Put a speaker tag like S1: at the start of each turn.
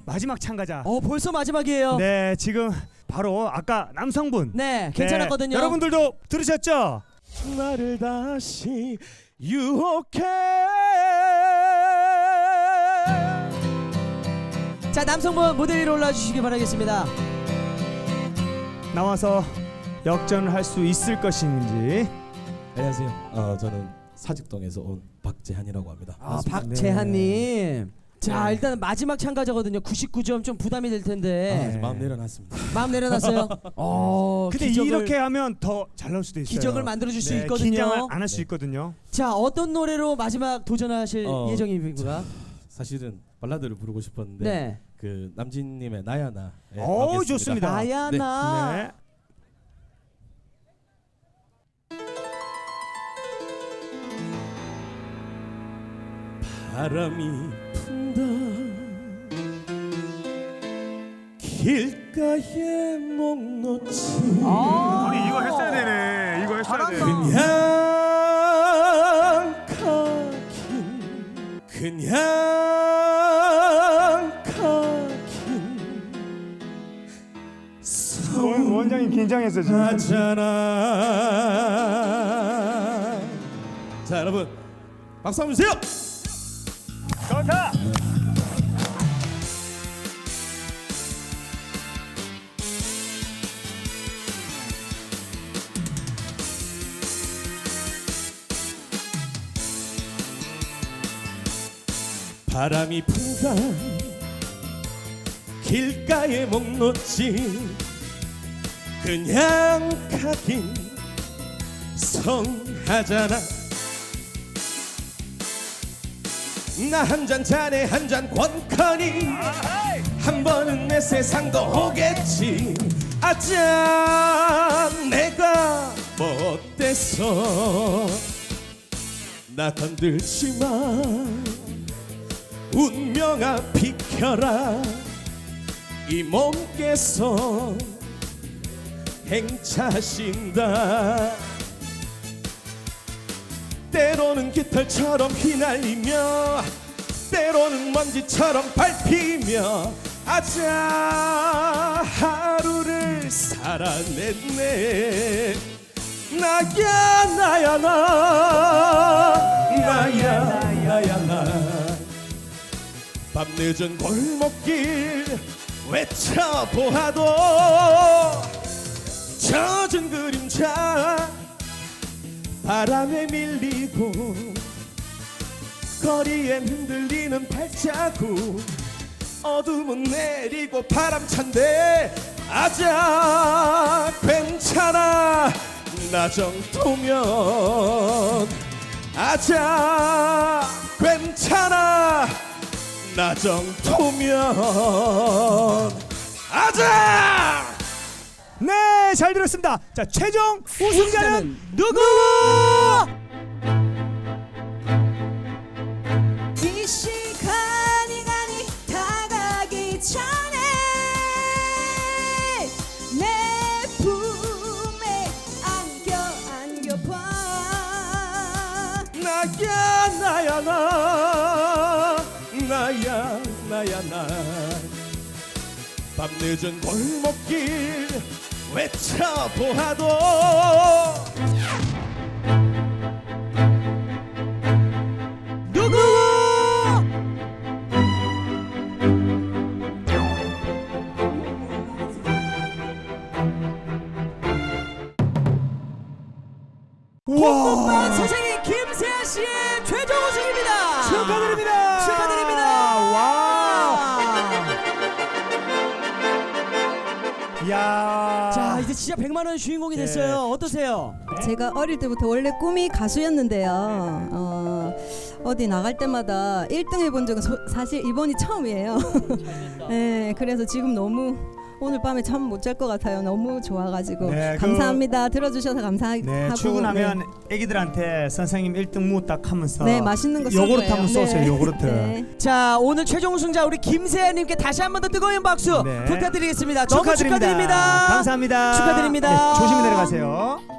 S1: 마지막 참가자.
S2: 벌써 마지막이에요.
S1: 네, 지금 바로 아까 남성분.
S2: 네, 괜찮았거든요.
S1: 여러분들도 들으셨죠?
S3: 나를 다시 유혹해.
S2: 자, 남성분 무대 위로 올라주시기 바라겠습니다.
S1: 나와서 역전을 할 수 있을 것인지.
S3: 안녕하세요. 저는 사직동에서 온 박재한이라고 합니다.
S2: 박재한님. 자, 일단 마지막 참가자거든요. 99점 좀 부담이 될 텐데.
S3: 마음 내려놨습니다.
S2: 마음 내려놨어요.
S1: 근데 이렇게 하면 더 잘 나올 수도 있어요.
S2: 기적을 만들어줄 수
S1: 네,
S2: 있거든요.
S1: 긴장을 안 할 수 있거든요.
S2: 자, 어떤 노래로 마지막 도전하실 예정입니까?
S3: 사실은 발라드를 부르고 싶었는데
S2: 네.
S3: 그 남진님의 나야나.
S1: 좋습니다.
S2: 나야나.
S1: 네.
S3: 바람이 분다 길가에 목 놓지
S1: 아니 이거 했어야 되네. 이거 했어야 돼.
S3: 그냥 가긴
S1: 원장님 긴장했어 지금.
S3: 하잖아. 자, 여러분 박수 한번 주세요.
S1: 좋다.
S3: 바람이 분다 길가에 목 놓지 그냥 가긴 성하잖아. 나 한 잔 자네 한 잔 권커니 한 번은 내 세상도 오겠지. 아짜 내가 못돼서 나 건들지마. 운명아 비켜라. 이 몸께서 행차신다. 때로는 깃털처럼 휘날리며 때로는 먼지처럼 밟히며 아자 하루를 살아냈네. 나야 나야 나야 나 밤늦은 골목길 외쳐보아도 젖은 그림자 바람에 밀리고 거리엔 흔들리는 발자국 어둠은 내리고 바람찬데 아자 괜찮아 나 정도면 아자 괜찮아 나 정도면 아자.
S1: 네, 잘 들었습니다. 자, 최종 우승자는 누구?
S4: 이 시간이 다가기 전에 내 품에 안겨봐.
S3: 나야 나야 나 밤늦은 골목길 외쳐보아도
S2: 누구? 홍보관 선생님 김세아 씨의 최종 우승입니다.
S1: 축하드립니다.
S2: 축하드립니다.
S1: 야.
S2: 자, 이제 진짜 100만 원 주인공이 됐어요. 어떠세요?
S4: 제가 어릴 때부터 원래 꿈이 가수였는데요. 어디 나갈 때마다 1등 해본 적은 사실 이번이 처음이에요. 네, 그래서 지금 너무 오늘 밤에 잠 못 잘 것 같아요. 너무 좋아가지고
S1: 네,
S4: 감사합니다. 들어주셔서 감사하고.
S1: 네, 출근하면 애기들한테 선생님 1등 무 딱 하면서
S4: 네, 맛있는 거 쏠
S1: 요구르트
S4: 거예요.
S1: 한번 쏘세요. 요구르트.
S4: 네.
S2: 자, 오늘 최종 우승자 우리 김세아님께 다시 한 번 더 뜨거운 박수
S1: 네.
S2: 부탁드리겠습니다. 너무
S1: 축하드립니다.
S2: 축하드립니다.
S1: 감사합니다.
S2: 축하드립니다.
S1: 네, 조심히 내려가세요.